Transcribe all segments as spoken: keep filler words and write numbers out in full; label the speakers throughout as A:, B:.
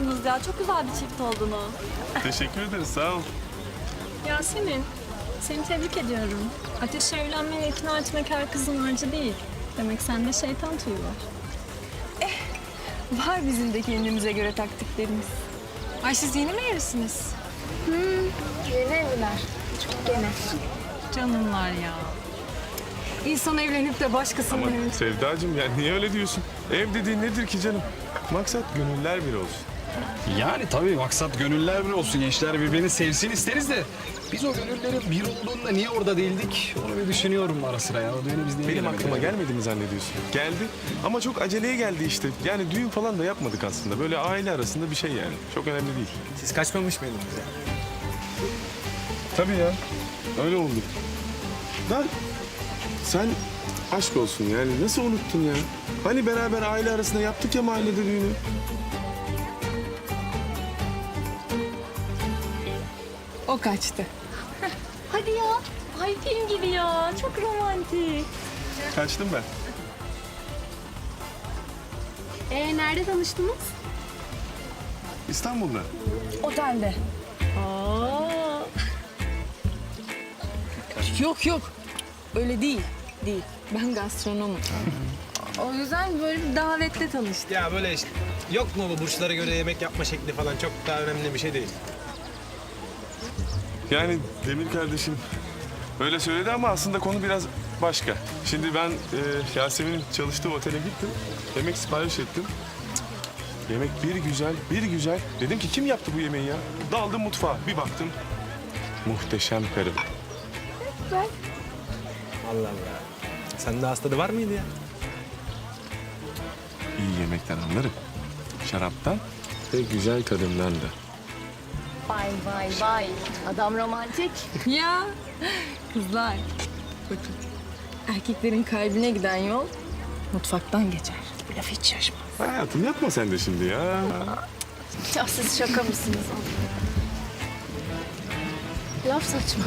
A: yakışmışsınız ya. Çok güzel bir çift oldunuz.
B: Teşekkür ederiz, sağ ol.
C: Yasemin, seni tebrik ediyorum. Ateşe evlenmeye ikna etmek her kızın harcı değil. Demek sende şeytan tüyü var.
D: Var bizim de kendimize göre taktiklerimiz. Ay siz yeni mi evlisiniz?
E: Yeni evliler. Çok yeni.
D: Canımlar ya. İnsan evlenip de başkasının
B: Ama
D: evine...
B: Sevdacığım yani niye öyle diyorsun? Ev dediğin nedir ki canım? Maksat gönüller bir olsun.
F: Yani tabii maksat gönüller bir olsun. Gençler birbirini sevsin isteriz de biz o gönüllerin bir olduğunda niye orada değildik? Onu bir düşünüyorum ara sıra ya. O düğüne biz niye
B: Benim
F: gelemedik
B: aklıma
F: ya?
B: gelmedi mi zannediyorsun? Geldi ama çok aceleye geldi işte. Yani düğün falan da yapmadık aslında. Böyle aile arasında bir şey yani. Çok önemli değil.
G: Siz kaçmamış mıydınız ya?
B: Tabii ya. Öyle oldu. Da sen aşk olsun yani nasıl unuttun ya? Hani beraber aile arasında yaptık ya mahallede düğünü.
D: O kaçtı.
A: Hadi ya. Ay film gibi ya. Çok romantik.
B: Kaçtım ben.
E: Ee, nerede tanıştınız?
B: İstanbul'da.
D: Otelde.
A: Aa.
D: Yok yok. Öyle değil. Değil. Ben gastronomum. O yüzden böyle bir davetle tanıştık.
G: Ya böyle işte, yok mu bu burçlara göre yemek yapma şekli falan çok daha önemli bir şey değil.
B: Yani Demir kardeşim öyle söyledi ama aslında konu biraz başka. Şimdi ben e, Yasemin'in çalıştığı otele gittim. Yemek sipariş ettim. Cık, Yemek bir güzel, bir güzel. Dedim ki kim yaptı bu yemeği ya? Daldım mutfağa, bir baktım. Muhteşem karım.
G: Allah Allah. Sende hastalığı var mıydı ya?
B: İyi yemekten anlarım. Şaraptan ve güzel kadından da.
E: Vay vay vay. Adam romantik.
D: Ya kızlar. Bakın. Erkeklerin kalbine giden yol mutfaktan geçer. Bu laf hiç şaşmaz.
B: Hayatım yapma sen de şimdi ya.
E: Ya siz şaka mısınız? Laf saçma.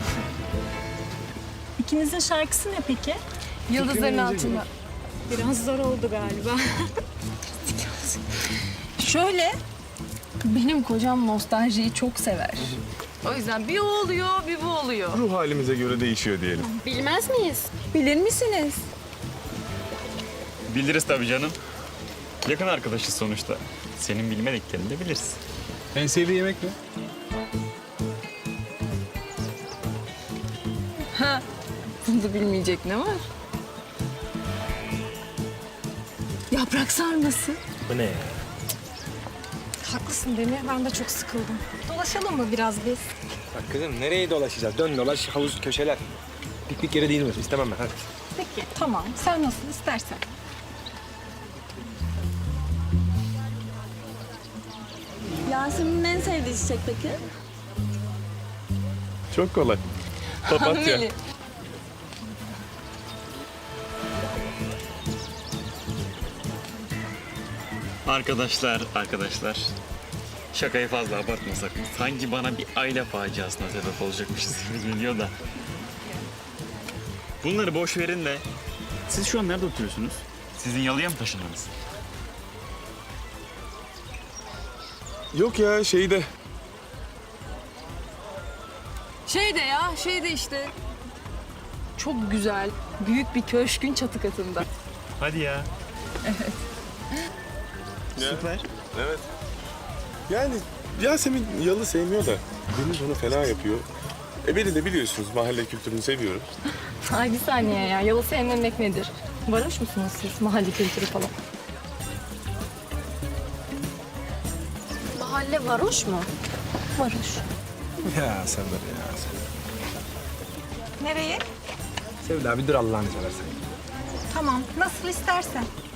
C: İkinizin şarkısı ne peki?
D: Yıldızların altında.
C: Biraz zor oldu galiba.
D: Şöyle, benim kocam nostaljiyi çok sever. O yüzden bir o oluyor, bir bu oluyor.
B: Ruh halimize göre değişiyor diyelim.
E: Bilmez miyiz?
D: Bilir misiniz?
H: Biliriz tabii canım. Yakın arkadaşız sonuçta. Senin bilmediklerini de biliriz.
F: En sevdiği yemek ne?
D: Ha, bunu bilmeyecek ne var? Yaprak sarması.
G: Bu ne ya?
C: Haklısın Demir, ben de çok sıkıldım. Dolaşalım mı biraz biz?
G: Bak kızım nereye dolaşacağız? Dön dolaş havuz köşeler. Piknik yeri değil mi? İstemem ben hadi.
C: Peki, tamam. Sen nasıl istersen.
A: Yasemin'in en sevdiği çiçek peki?
B: Çok kolay. Papatya.
D: Hanımeli.
H: Arkadaşlar, arkadaşlar. Şakayı fazla abartmasak. Sanki bana bir aile faciasına sebep olacakmışız gibi geliyor da. Bunları boş verin de. Siz şu an nerede oturuyorsunuz? Sizin yalıya mı taşındınız?
B: Yok ya şeyde.
D: Şey de ya, şey de işte. Çok güzel, büyük bir köşkün çatı katında.
H: Hadi ya. Süper.
B: Evet. Yani Yasemin yalı sevmiyor da Deniz onu fena yapıyor. E beni de biliyorsunuz mahalle kültürünü seviyorum.
D: Ay bir saniye ya, yalı sevmemek nedir? Varoş musunuz siz mahalle kültürü falan?
E: Mahalle varoş mu?
D: Varoş.
G: Ya sen de ya sen.
C: Nereye?
G: Sevda bir dur Allah'ını seversen.
C: Tamam, nasıl istersen.